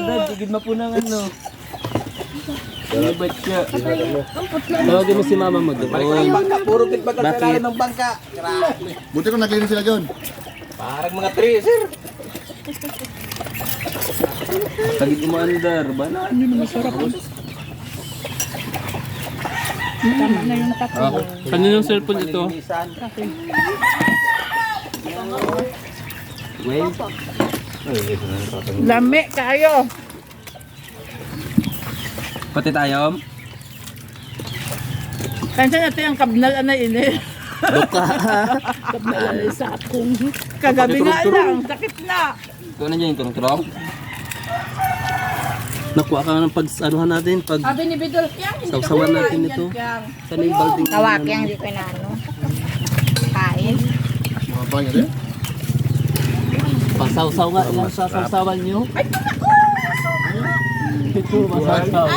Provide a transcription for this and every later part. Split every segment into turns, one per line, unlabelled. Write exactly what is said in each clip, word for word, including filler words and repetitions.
Dad, tigid mo po ng ano. Libat siya. Tawagin mo si mama mo doon.
Balik ng bangka, puro kitbagal sa ilalim ng bangka.
Buti ko naglinis sila John.
Parang mga tree, sir.
Tagid mo andar. Bana.
Ano na masarap. Tama na yung tatlo.
Kaninong cellphone ito? Wait.
Lami kayo.
Pati tayo.
Kansa natin ang kabnal na ini.
Buka.
Kabnal na sa akong. Kagabi nga lang, sakit na.
Ito na dyan yung turong-turong. Nakuha ka ng pag-anuhan natin. Pag
Sabi ni Bidol, Kyang, hindi
Sausawan natin ito. Sana yung balding.
Kawak yang di ko na ano. Kain.
Mga bangya rin.
Pasawsaw nga lang sa sausawan nyo. Ito, masawsaw.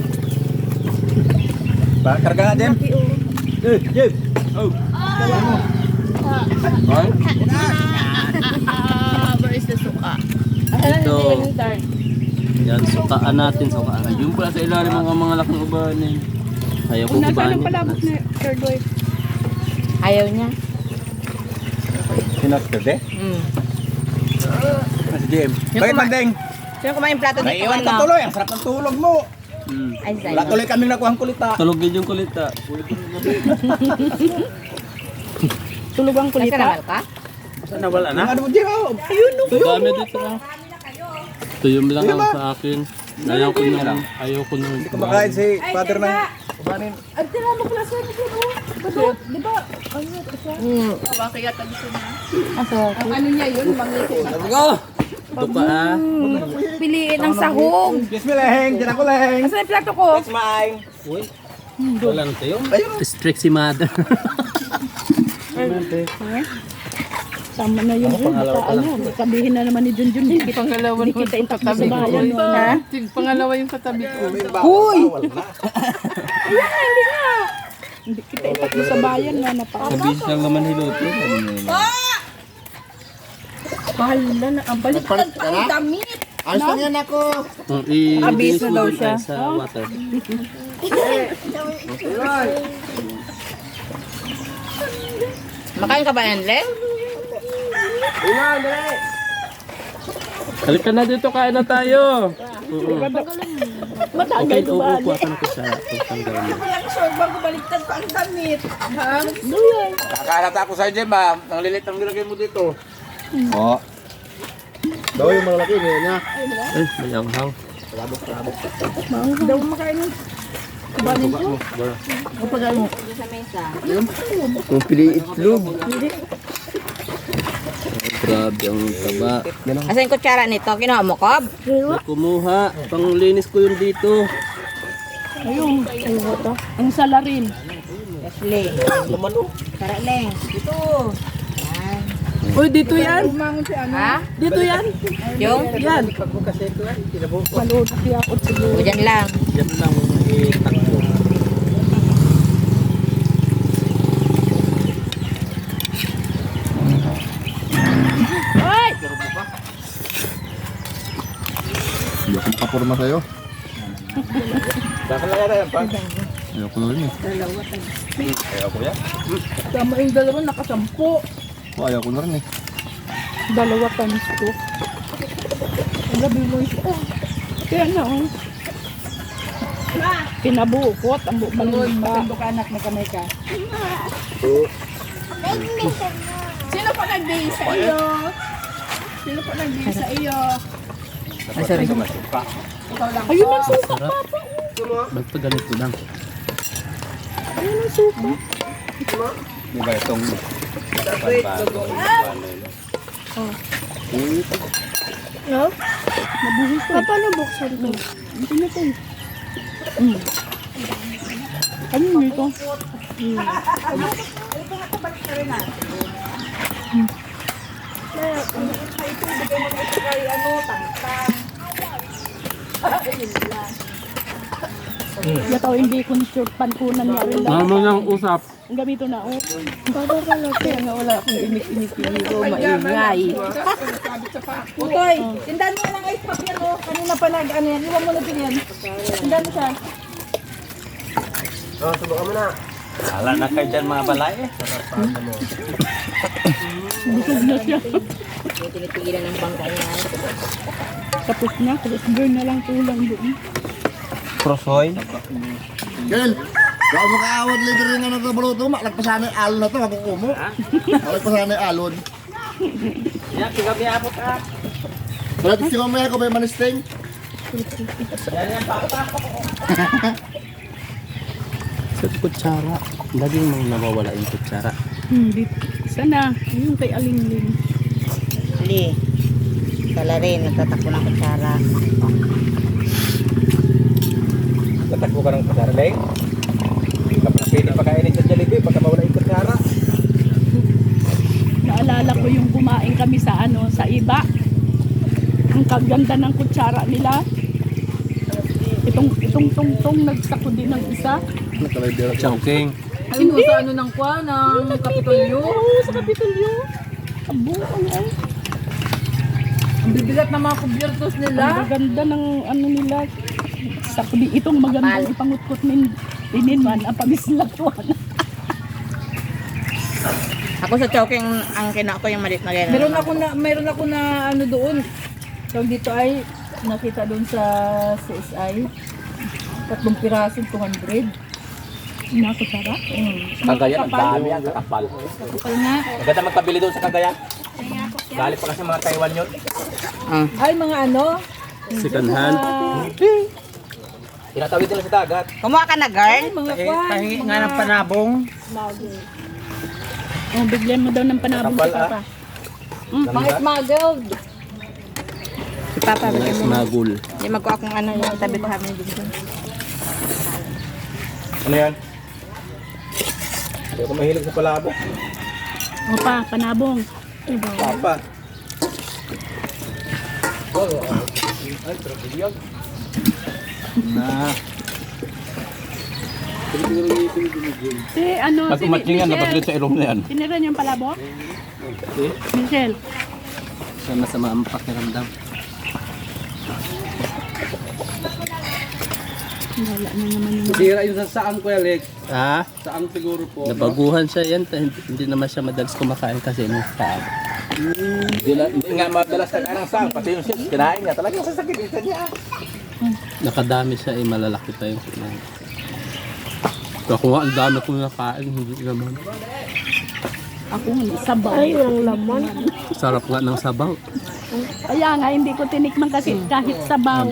Ba, karga nga, Jem.
Eh, Jeb! Oh! Ay?
Where is the suka?
Ito. Yan, sukaan natin, sukaan. Yung pala sa ilalim mga mga laking ubanin. Ayaw ko ubanin.
third wife?
Ayaw niya.
Sinasted eh?
Mm.
Si Jem.
Yung
Bakit
kuma-
mandeng?
Sino kumain yung plato dito?
Naiiwan ka
Ano?
tuloy. Ang sarap ng tulog mo.
Hmm.
Ay, Zay.
Wala tuloy kaming nakuhang kulita.
Tulog din yung kulita.
Tulog ang
Nasa
kulita.
naman ka?
Sana wala na? Ano mo, Jem? Ayun, no.
Dami dito ah. Tuyom lang ang sa akin. Ayaw ko na. Ayaw ko na.
Hindi ko makain si father ng ubanin.
At tinama ko lang sa ito. Di ba? Ano ito siya?
Mm.
Kaya tabi siya na.
Aso.
Ang ano niya yun, mangiti.
Sabi ko! Ito pa ah.
Piliin ang sahog.
Kiss me, Leheng. Diyan ako, Leheng.
Asan yung plato ko?
It's mine.
Uy. Wala na tayo. Strict si mother.
Tama na yun. Ano, sabihin na naman ni Junjun. Hindi kita
Pangalawa
hindi
naman
kita
yung
itakbo
katabi
sa
ko.
bayan.
Ha?
Tig, pangalawa yung katabi ko.
Huy!
Hindi kita itakbo sa bayan na napaka.
Sabi siya lang naman hiloto. Sabi niya yun.
Bahala na. Ang balik ang damit.
Ayos lang yan ako.
Kung i-
Abis na daw
i-
siya.
Sa water.
Makain ka ba, Enle?
Halika na dito, kain na tayo. Oo.
Matagal
Okay,
ito
oo,
ba?
kuha ka na ko sa pagtanggal mo.
Bago baliktad pa ang damit. Ha?
Nakakalata ako sa Jem, ha? Ang lilit ang nilagay mo dito. Oo.
Daw yung malalaki niya.
Eh, may anghang.
Daw makain ng kubanin ko. Kapag mo.
Sa mesa.
Kung pili itlog. Grabe ang taba.
Asan yung kutsara nito? Kinuha mo, Kob?
May kumuha. Panglinis ko yun dito.
Ayun. Ang salarin.
Leslie. Tara, Leng. Dito. Yan.
Uy, dito yan. Umangon si ano.
Ha?
Dito yan.
Yung?
Yan. Manood siya ako siguro.
O, dyan lang.
Yan lang. Itakbo.
Ay!
Hindi akong papurma sa'yo.
Bakit lang yata yan, pa?
Ayoko na rin eh.
Ayaw ko yan.
Tama yung dalawa, nakasampu.
Oh, ayoko na rin eh.
Dalawa times two. Ang gabi mo ito. Oh, kaya na oh. Pinabukot ang bukbalong ba? Ka anak na kamay ka. Sino pa nag-day sa iyo? Sino pa nag-day sa iyo?
Ay, sorry.
Ikaw lang. Ayun ang suka, papa.
Basta ganito lang.
Ayun ang suka.
Di ba itong...
No? Nabuhos ko. Paano buksan ito? Hindi na ito. Mm. Ano yun ito? Mm. Yataw hindi kung sure pankunan niya rin lang.
Mama nang usap.
gamito na oh.
Kaya nga wala akong inik-inik yung ito, maingay.
Utoy, tindahan mo lang ice pack yan oh. Kanina pa nag ano yan. Iwan mo na din yan. Tindahan mo siya.
Wala na kayo dyan mga balay eh.
Busog na siya.
Yung tinitigilan ng bangka niya.
Tapos na, tapos burn na lang tulang doon.
Prosoy.
Kel, gawin mo kaawad later rin nga na ito baluto. Malagpasan yung alon na ito, makukumo. Malagpasan yung alon.
Yan, tigabi abot ka.
Malatis ko mamaya ko ba yung manisting?
Sa kutsara. Laging may nawawala yung kutsara.
Hindi. Sana, yung kay Alingling.
Huli. Kala rin, nagtatakbo ng kutsara.
Tatakbo ka ng kutsara, Leng. Hindi ka pa pwede pakainin sa Jollibee baka mawala yung kutsara.
Naalala ko yung kumain kami sa ano, sa iba. Ang kaganda ng kutsara nila. Itong itong tungtong nagsako din ng isa.
Chowking.
Ayun mo sa ano ng kwa, ng Kapitolyo.
Oo, sa Kapitolyo. Abo, ang ay.
Ang bibigat ng mga kubyertos nila.
Ang ganda ng ano nila. Sa kuli itong magandang ipangutkot nin tininwan ang pamislatuan.
Ako sa choking, ang kina ko yung malit na gano'n.
Meron ako na, meron ako na ano doon. Tawag dito ay nakita doon sa C S I. Tatlong piraso, two hundred.
Nakutsara.
Cagayan, ang dami ang kakapal.
Kapal nga.
Maganda magpabili doon sa Cagayan. Galit pa kasi mga Taiwan yun.
Ah.
Ay, mga ano.
Second hand.
Tinatawid nila sa dagat.
Kumuha ka na, girl?
Mga kwan.
Pahingi nga ng panabong.
Oh, bigyan mo daw ng panabong
Kapal,
sa papa.
Mga smuggled.
Si Papa, bigyan mo.
Smagul.
Hindi magkuha kung ano yung tabi pa kami dito.
Ano yan? Hindi ako mahilig sa palabok.
O pa, panabong.
Papa. Ay, trabiyag.
Na.
Si ano,
Pag
si
umatsingan,
Michelle.
napaglit sa ilong na yan.
Tinira niyo yung palabok? Michelle.
Sa masama ang pakiramdam.
Wala na naman yung...
Sira yung sa saang ko, Alex.
Ha?
Saang siguro po.
Nabaguhan siya yan. Hindi, hindi naman siya madalas kumakain kasi ng saan.
Hindi, na, hindi nga madalas na kanang sang. Pati yung sis, kinain niya. Talagang sasakit yung kanya.
Nakadami siya eh, malalaki pa yung kinain. Ako nga, ang dami kong nakain, hindi naman.
Ako nga, sabaw. Ay, ang laman.
Sarap nga ng sabaw.
Kaya nga, hindi ko tinikman kasi kahit sabaw.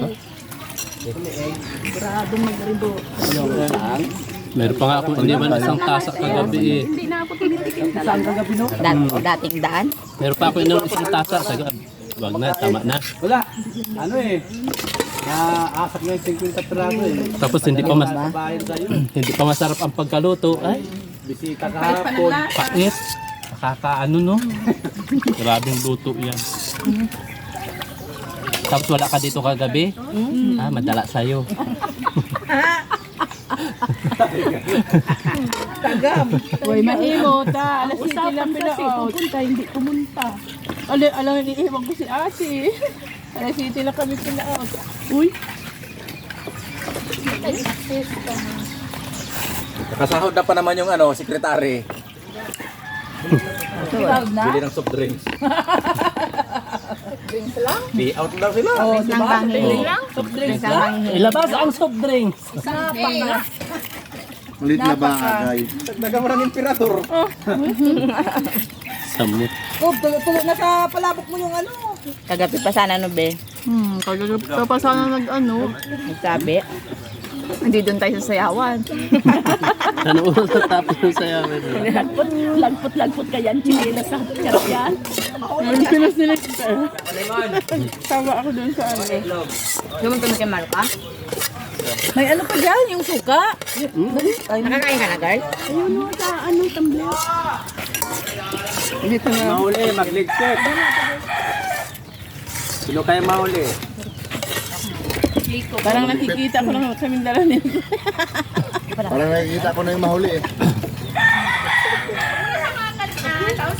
Grado magribo.
Meron pa nga akong iniwan isang tasa kagabi eh.
Hindi na ako tinitikim talaga.
Dat dating daan.
Meron pa ako iniwan isang tasa sa gabi. Wag na, tama na.
Wala. Ano eh. Naasak na yung fifty piraso eh.
Tapos hindi pa mas
Bayan sa'yo.
hindi pa masarap ang pagkaluto. Ay,
Bisita kahapon.
pait. Nakakaano no? Grabing luto yan. Tapos wala ka dito kagabi? Ah, madala sa'yo.
Tagam.
Uy, mahimo ta. Alas siti lang pinaot. Pupunta, hindi pumunta.
Alam, alam, iniiwan ko si ate. Alas siti lang kami pinaot.
Uy,
Nakasahod na pa naman yung ano, sekretary.
Tawag na.
Bili ng soft drinks.
Drinks lang.
Be out daw sila.
Oh,
Nang
diba?
bangin.
Soft drinks
Nang
lang.
bangin.
Ilabas ang soft drinks.
Napaka.
Malit na bagay.
Nagdagam ng emperador.
Samot.
Oh, tulo na sa palabok mo yung ano.
Kagabi pa sana no, be.
Hmm, kagagap ka pa sana nag-ano.
Nagsabi.
Hindi doon tayo sa sayawan.
Ano oras natapos yung sayaw?
lagpot, lagpot, lagpot ka yan. Chinela sa yan.
Ang pinas nila kita. Tawa ako doon sa ano.
Lumunta mo kay Marka.
May ano pa dyan, yung suka.
Nakakain ka na, girl?
Ayun o, sa anong tumbler.
Dito na.
Mahuli, magligpit. Sino kaya mahuli?
Parang nakikita ko lang sa Mindanao nito.
Parang nakikita ko na yung mahuli eh.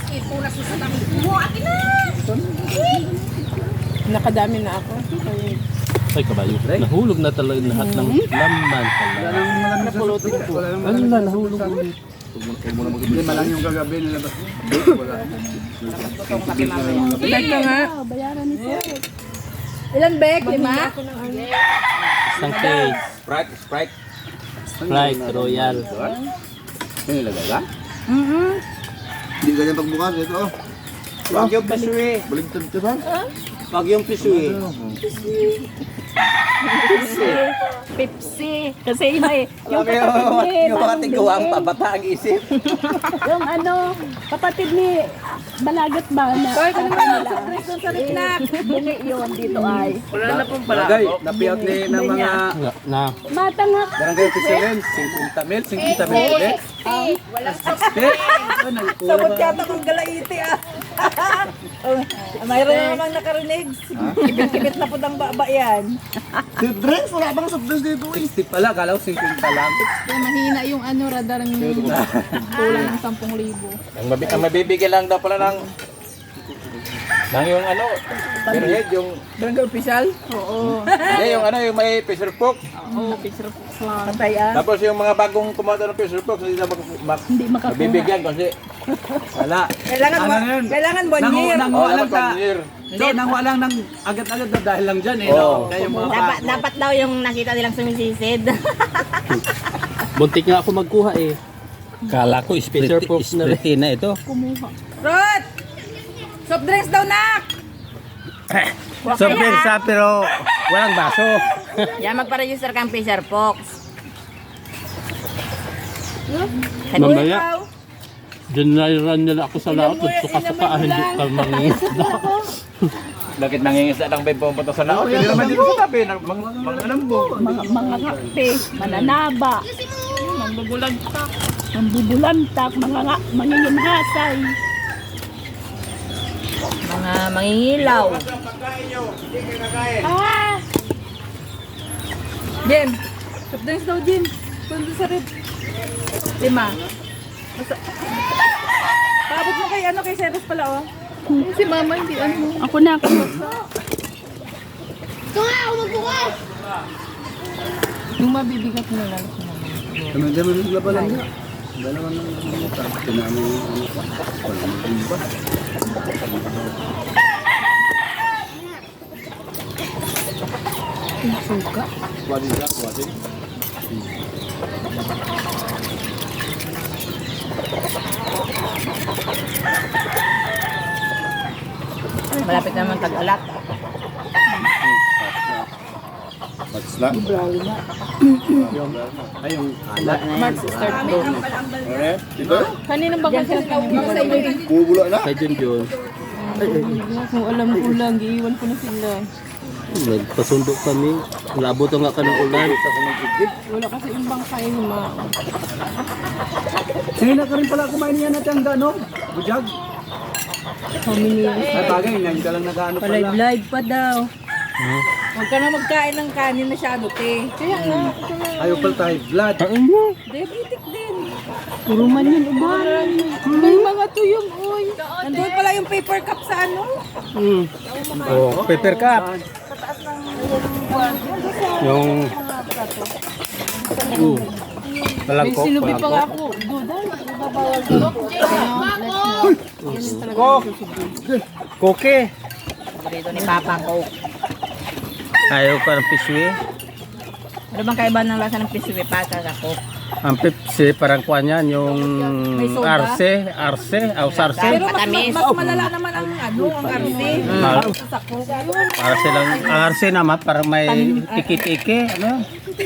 Nakadami na ako.
Ay, kabayo. Nahulog na talaga lahat ng laman pala.
Napulutin ko. Wala nang
Ano na, nahulog ulit.
lima lang yung kagabi nilabas. Wala.
Balik ka nga. Ilan bek? Lima?
Isang case.
Sprite, Sprite.
Sprite Royal.
Ano nilagay ka?
Mm-hmm.
Hindi ganyan pagbukas. Ito oh.
Wag yung pisui.
Baligtad ka ba?
Wag yung pisui.
Pepsi. Kasi yun ay, yung
Alam mo
kapatid
yung,
ni
yung mga tigawang pabata ang isip.
yung ano, kapatid ni Balagat ba na?
Hoy, kung naman sa dress doon sa riknak.
Bungi yun dito ay.
Wala na pong
Barangay, napiyot ni ng mga
Na, na.
Matangak.
barangay officials, fifty mil, fifty mil. Eh,
Sabot yata kong galaiti ah. Oh, mayroon na namang nakarinig. Kibit-kibit na po ng baba yan.
Soft drinks? Wala bang soft drinks dito eh.
sixty pala, kalaw fifty lang.
Kaya mahina yung ano, radar ng kulang ng sampung libo.
Ang, mabi ang mabibigyan lang daw pala ng ng yung ano, pero head yung
Barangay official?
Oo.
hindi, yung ano yung may pressure cook.
Oo, picture po lang.
Patay ah.
Tapos yung mga bagong kumato ng pressure cook hindi na mag, mag,
Hindi makakuha.
mabibigyan kasi
Wala.
Kailangan,
Ano
one-
yun?
kailangan one
Nangu-
year.
nangu-
oh,
Walang
dapat
ka.
one year.
Hindi, nang walang nang agad-agad na dahil lang dyan eh.
Oo.
No? Kaya yung mga
Dapat, dapat daw yung nakita nilang sumisisid.
Buntik nga ako magkuha eh.
Kala ko
Pressure cook na rin.
na ito.
Rod! Soft drinks daw nak!
Sobrang sa pero walang baso.
Yan, magpa-register kang Fisher Fox.
Mamaya. Dinairan nila ako sa laot. Suka-suka. Hindi ka mangingisda.
Bakit nangingisda lang ba pumunta sa laot? Hindi naman dito sa tabi. Mga mga lambo.
Mga, mga ngakti, mananaba, mambubulantak, mambubulantak, mga nga, manginginhasay.
Mga mangingilaw.
Ah!
Jen! Soft drinks daw, Jen. Punta sa rib. Lima. Basta- Paabot mo kay ano, kay Ceres pala oh.
Si mama hindi ano.
Ako na, ako na.
Yung mabibigat mo lang.
Naman-daman yung laban lang niya. Dalawa ng mga tinamay yung ano pa. Wala nang iba.
Suka.
Wadin ka, wadin.
Malapit naman tag-alat.
Mats na.
Ay, yung alat.
March start do.
Okay. Dito.
Kanina ba kasi nauwi sa inyo?
Bubula na.
Kay Jun Jun.
Kung alam ko lang, iiwan ko na sila.
Nagpasundo kami. Labot nga ka ng ulan.
Wala kasi yung bangkay ni ma.
Sige na ka rin pala kumain niya natin ang gano. Bujag.
How many years?
Ay bagay, ngayon ka lang nag-ano pala.
Live-live pa daw. Huwag ka na magkain ng kanin masyado, te.
Kaya nga, ito na.
Ayaw pala tayo, blood.
Diabetic din.
Puro man yun, uban.
May mga tuyong, oy.
Nandun pala yung paper cup sa ano.
Mm.
Oh, paper cup. Yung
Uh.
May sinubi pa nga ako. Dudan. Ibabawal ko.
koke.
Paborito ni Papa ko.
Ayaw ka ng pisui.
Ano bang kaiba ng lasa ng pisui pa sa ko?
Ang Pepsi parang kuha niyan yung
soda?
arse, arse, au sarse.
Pero mas,
Matamis.
mas malala naman ang ano, ang arse.
Mal-
Sa ko.
Arse lang, ang arse naman parang may tiki-tiki, ano?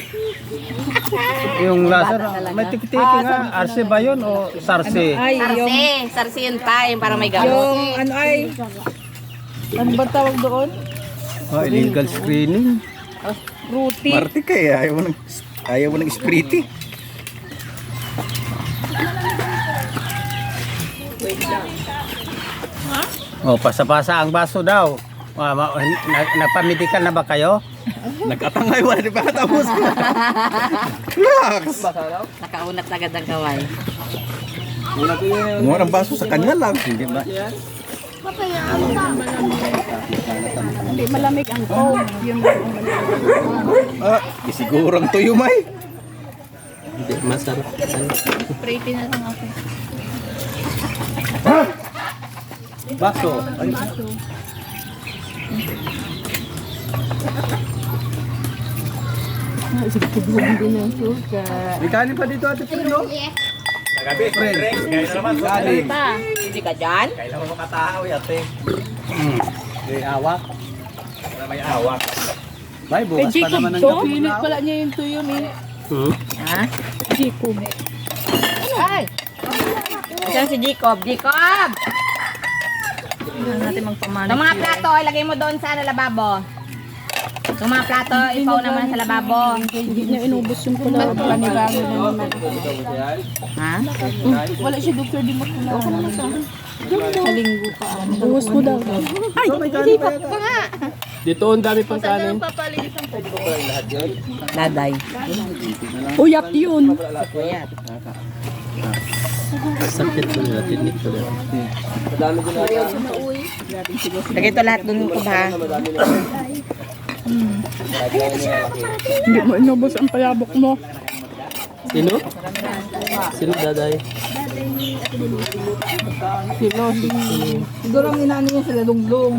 Yung lasa, may tiki-tiki nga. Arse ba yun o sarse?
Ay, yung,
Sarsi. Sarsi yun pa. Yung parang may gamot.
yung ano ay, ano ba tawag doon?
Oh, illegal screening.
Fruity.
Marte ka eh, ayaw mo ng, ayaw mo ng spriti. Oh, pasa-pasa ang baso daw. Ah, ma- na- nagpamedical na ba kayo? Nagkatangay, wala di ba tapos? Relax!
Nakaunat agad ang kaway.
Wala ko yun.
Kumuha ng baso sa kanya lang. Hindi ba?
Hindi malamig ang cold. Yun lang ang malamig.
Ah, isigurang tuyo may.
Hindi, masarap.
Pretty na lang ako.
Baso. Ay,
Sigurong din ang suka.
may kanin pa dito ate Pino. Nagabi, friend. Kaya naman, kanin.
Hindi ka dyan?
Kailan mo makatao ate? Hmm. May awak. Wala may awak. May bukas pa naman ang gabi.
Pinit pala niya yung tuyo eh.
Hmm?
Ha?
Jacob.
Ay! Diyan si Jacob. Jacob! Tingnan natin magpamana. Itong mga plato, ilagay mo doon sa lababo. Itong mga plato, ipaw naman sa lababo.
Hindi niya inubos yung pala. Panibago na naman.
Ha?
Wala siya doktor di mo pala. Okay naman sa sa linggo pa. Buhos mo daw. Ay, hindi pa pa nga.
Dito ang dami pang kanin.
Daday.
Uyap yun.
Kuyat.
Sakit ko nila, tinik ko nila.
Lagay ito lahat doon ko ba?
Hindi mo inubos ang palabok mo.
Sino? Sino daday?
Silo. Siguro ang inano niya sa lalunglong.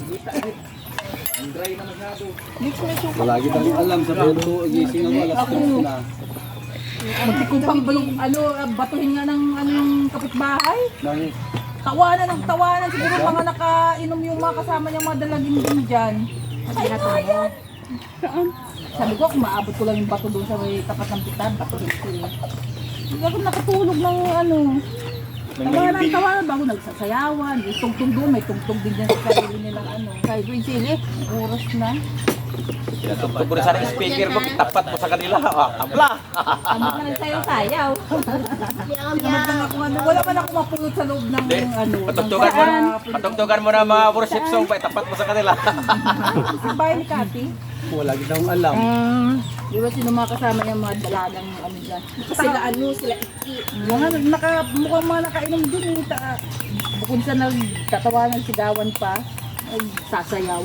Palagi tayo alam sa pento. Gising ako alas tres na.
Magtikumpang balong, ano, batuhin nga ng anong kapitbahay.
Bakit?
Tawanan ng tawanan. Siguro mga nakainom yung mga kasama niyang mga dalagin din dyan. Ay, ayan. Sabi ko, kung maabot ko lang yung bato doon sa may tapat ng pitan, bato doon ko eh. Hindi ako nakatulog ng ano. Tawanan, tawanan bago nagsasayawan. May tungtong doon, may tungtong din dyan sa sarili nilang ano. Kaya Green Chili, oras na.
Tugtog ko rin sa speaker mo, tapat mo sa kanila. Ah, tabla.
Amot na lang sayaw-sayaw. Amot lang ako ano. Wala man ako mapulot sa loob ng ano.
Patugtugan mo, patugtugan mo na mga worship song pa, tapat mo sa kanila.
Sa bahay ni Kati.
Wala kita akong alam.
Di ba sino mga kasama yung mga dalagang ano dyan? Sila ano, sila iki. Mga naka, mukhang mga nakainom din eh. Ta, bukod sa nagtatawanan, sigawan pa, ay sasayaw.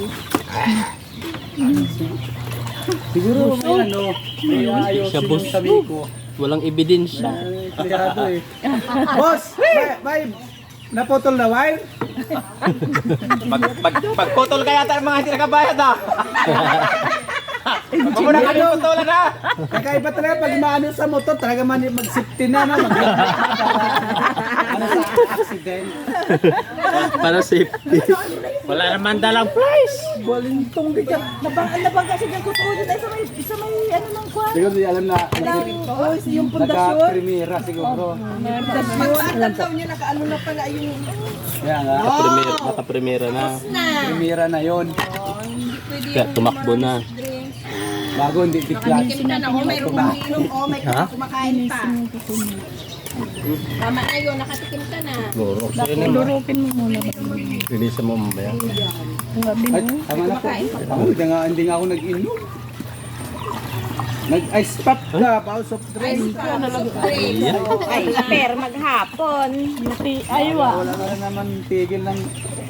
Siguro may ano, may ayos
Siya, boss.
yung sabi ko.
Walang ebidensya.
Kaya eh. Boss, may, may naputol na wire?
Pag, pag, pagputol ka yata ng mga hindi nakabayad ah. Pag mo na kami putulan ha.
Kakaiba talaga pag maano sa motor, talaga man mag-safety na na. Mag ano sa accident.
Para safety.
Wala naman dalang price.
Balintong di ka. Nabang, nabang kasi dyan ko tuloy na isa may, isa may ano ng kwan.
Siguro di alam na
Oh, yung pundasyon.
naka-primera siguro.
Magtatataw niya nakaano na pala yung...
Kaya nga,
Nakapremera, nakapremera na.
primera na yon.
Kaya tumakbo na.
Bago hindi tiklat.
Kita na, oh, mayroong umiinom, oh, may kumakain pa. Tama na yun, nakatikim ka na.
Durukin mo muna.
Release mo mamaya.
Ay, tama na po. Ako, hindi nga, hindi nga ako nag-inom. Nag-ice pop ka, bao soft drink.
Ay, per maghapon.
Aywa.
Wala na naman tigil ng...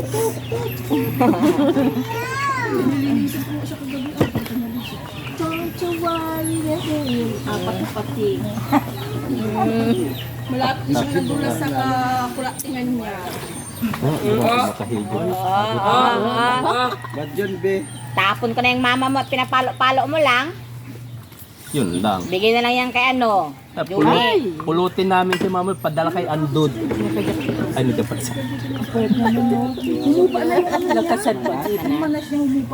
Apat na pati. Malapit siyang nadulas sa kakulatingan niya.
Makahigo.
Ba't yun, be?
Tapon ko na yung mama mo at pinapalo-palo mo lang.
Yun lang.
Bigay na lang yan kay ano.
Ah, pulu- pulutin namin si mama, padala kay Andod. Ay, hindi dapat sa.
Humupa na yung ano niya. Nagkasad pa. Manas niya humupa.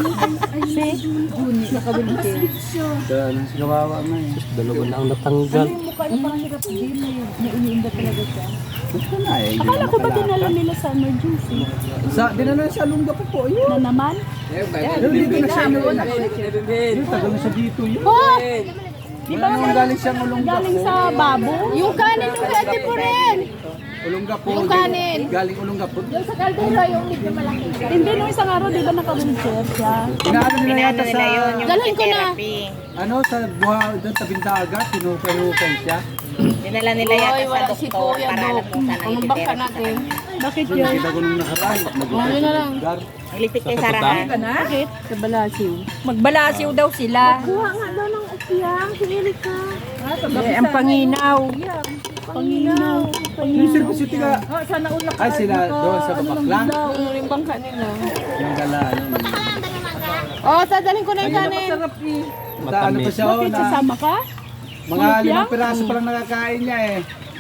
Dan, sinawawa na eh.
Dalawa na ang natanggal.
Yung mukha niya parang hirap din eh. May iniinda talaga siya.
Gusto na eh.
Akala ko ba dinala nila sa emergency?
Sa, dinala sa lungga po po, yun.
Na naman?
Pero dito na siya yun. Dito, tagal na siya dito yun.
Oh! Di ba
Ano galing siya mulungga
galing
po?
sa babo? Yung kanin yung pwede po rin.
Olongapo.
Yung kanin.
Galing Olongapo.
Sa kaldero, yung medyo malaki. Hindi, nung isang araw, di ba naka-wheelchair siya?
Inaano nila
Pinaano
yata
nila
sa,
yun, yung
Dalhin ko na.
therapy.
ano, sa buha, doon tabing dagat, sinukay-hukay siya.
Dinala nila yata sa
wala si
doktor
Kuya
para
Dok.
alam kung saan ang
Pangubak ka
therapy.
natin. Bakit
Doon
yun?
nakita ko nung nakaraan.
Ano na lang?
Lugar.
Ilipit kay Sarahan.
Bakit? Sa Balasiw.
Magbalasiw daw sila.
Kuha nga daw ng ukyang. Sinilig ka.
Eh, ang panginaw.
Panginaw.
Yung Sir City ka.
Oh, sana una
Ay, sila doon sa Kapaklan.
Ano rin bangka nila?
Yung gala, ano.
Oh, sadalhin ko na yung kanin.
Sarap eh.
Ta, ano pa siya, oh,
Bakit
na,
sasama ka?
mga limang piraso pa lang nakakain niya eh.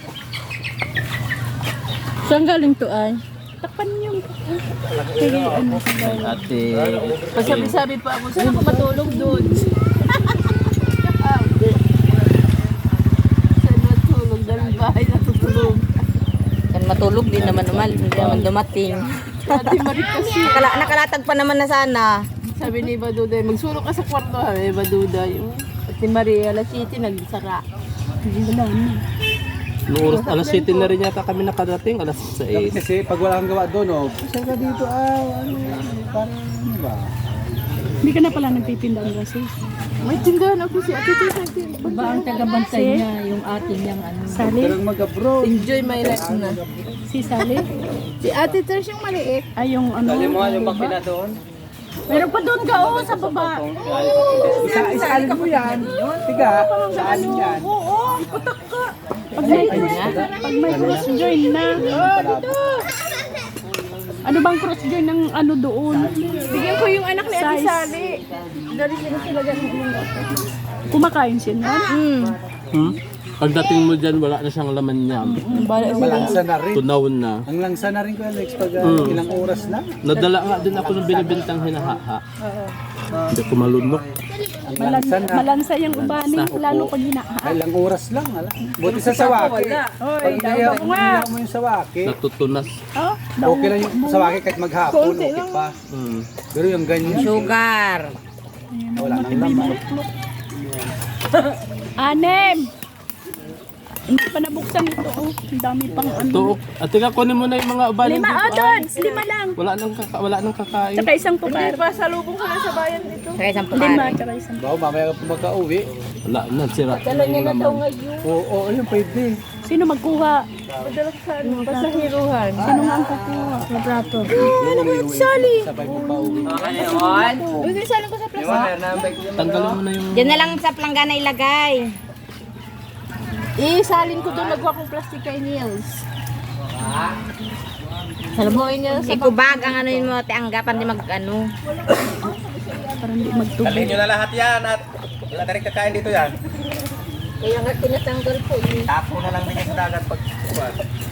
Saan galing to ay? Takpan yung... Sige, ano sa galing.
Ate.
Pasabi-sabi pa ako, saan ako matulog doon? Saan matulog? Dahil bahay natutulog.
Kan matulog din naman naman, hindi naman dumating.
Ate Marit kasi.
Nakala, nakalatag pa naman na sana.
Sabi ni Baduday, magsulok ka sa kwarto ha, eh, Baduday. Ate Maria, alas siyete, nagsara. Hindi na lang.
Noong oras, alas siyete na rin yata kami nakadating, alas sais.
Kasi pag wala kang gawa doon, oh, siya ka dito, ah, ano, parang, ano ba?
Hindi ka na pala nagtitinda ng gases. May tindahan ako si Ate Tita.
Ba ang tagabantay niya, yung atin niyang ano.
Sali?
Pero mag-abroad.
Enjoy my life na. Si Sali? Si Ate Ters yung maliit. Ay, yung ano?
Dali mo yung makina doon.
Meron pa doon ka, oh, sa baba.
Isa, isaalin mo yan. Tiga, saan yan?
Oo, ipatak ka. Pag may cross, pag may cross join na. Oh, dito. Ano bang cross join ng ano doon? Bigyan ko yung anak ni Ate Sali. Dali sila sila ganun. Kumakain siya na? Hmm.
Hmm? Pagdating mo dyan, wala na siyang laman niya.
Malangsa na rin.
Tunaw na.
Ang langsa na rin ko, Alex, pag uh,
Mm.
ilang oras na.
Nadala nga din ako ng binibintang hinahaha. Hindi ko malunok.
Ang langsa na.
Malansa yung ubani, lalo pag hinahaan.
Ay, ilang oras lang. Ala. Buti sa sawaki. Pag niya mo yung sawaki,
Natutunas.
Oh,
okay lang yung sawaki kahit maghapon, okay pa.
Hmm.
Pero yung ganyan,
Sugar.
wala nang laman.
anem. Hindi pa nabuksan ito. Oh, ang dami pang ano.
Tuok. At teka, kunin mo na yung mga ubaling
Lima, oh,
dito.
doon.
Ay.
Lima lang.
Wala nang, kaka wala nang kakain.
Tsaka isang pupar. Hindi pa, salubong ko na sa bayan dito.
Saka isang
Lima,
pukari.
tsaka isang.
Bawa, mamaya ka pa magka-uwi.
Wala na, sira na yung laman.
Oo, oo, yun pwede.
Sino magkuha? Padala sa ano, pasahiruhan. Sino nga ang kukuha? Sa plato. Ano ba yung sali?
Sabay mo pa uwi.
Uy, sali ko sa plato.
Tanggalin mo na yung...
Diyan na lang sa planggana ilagay.
Isalin ko doon, nagwa kong plastic kay Niels. Salamuhin niya sa
Ikubag ang ano yun mo, te anggapan di mag ano.
parang di magtubig.
Dalhin nyo na lahat yan at wala na rin kakain dito yan.
Kaya nga tinatanggal ko.
Tapo na lang din sa dagat pag kuwan.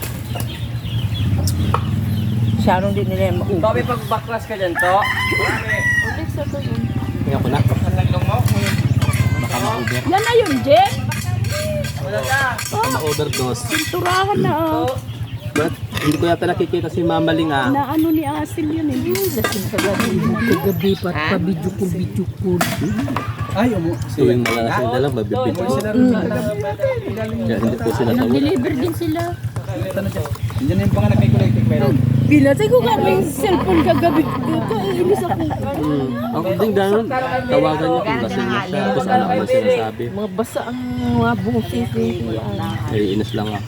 Sharong din nila yung mauwi.
Babi pag baklas ka dyan to.
Ulit sa to yun.
Kaya ko na.
Ang naglong mo.
Baka ma-over.
Yan na yun, Jen.
Baka ma-overdose.
Turahan na oh.
But, hindi ko yata nakikita si Mama Ling ah.
Na ano ni Asil yun eh. Lasing ka gabi.
Kagabi pa, pabidyo-ko-bidyo-ko.
Ay, umu.
Tuwing malalasing na lang, mabibidyo. Kaya hindi po sila tawag.
Deliver din sila.
Yan yung pangalan kay Collective Meron.
Pinatay ko kami yung cellphone kagabi. Kainis ako.
Hmm. Ang ding ganun, tawagan niya kung lasing na siya. Tapos alam mo sinasabi.
Mga basa ang mga boses eh.
Naiinis lang ako.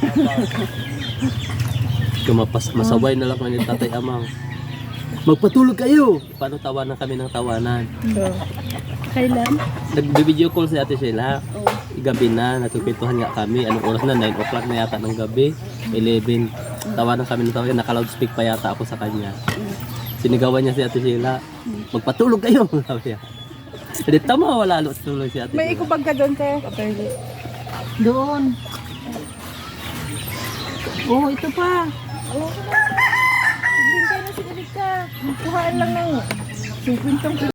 Kumapas, masaway na lang kami ni Tatay Amang. Magpatulog kayo! Paano tawanan kami ng tawanan?
Kailan?
Nag-video call si Ate Sheila. Gabi na, nagkukwentuhan nga kami. Anong oras na? nine o'clock na yata ng gabi. eleven. Tawanan kami ng tawanan. Naka-loudspeak pa yata ako sa kanya. Sinigawan niya si Ate Sheila. Magpatulog kayo! Sabi niya. Hindi tama, wala lalo tulog si Ate
May
Sheila.
ikubag ka doon, te.
Doon. Oh, ito pa.
Hindi ka na sinalig ka. Kuhaan lang ng cinquenta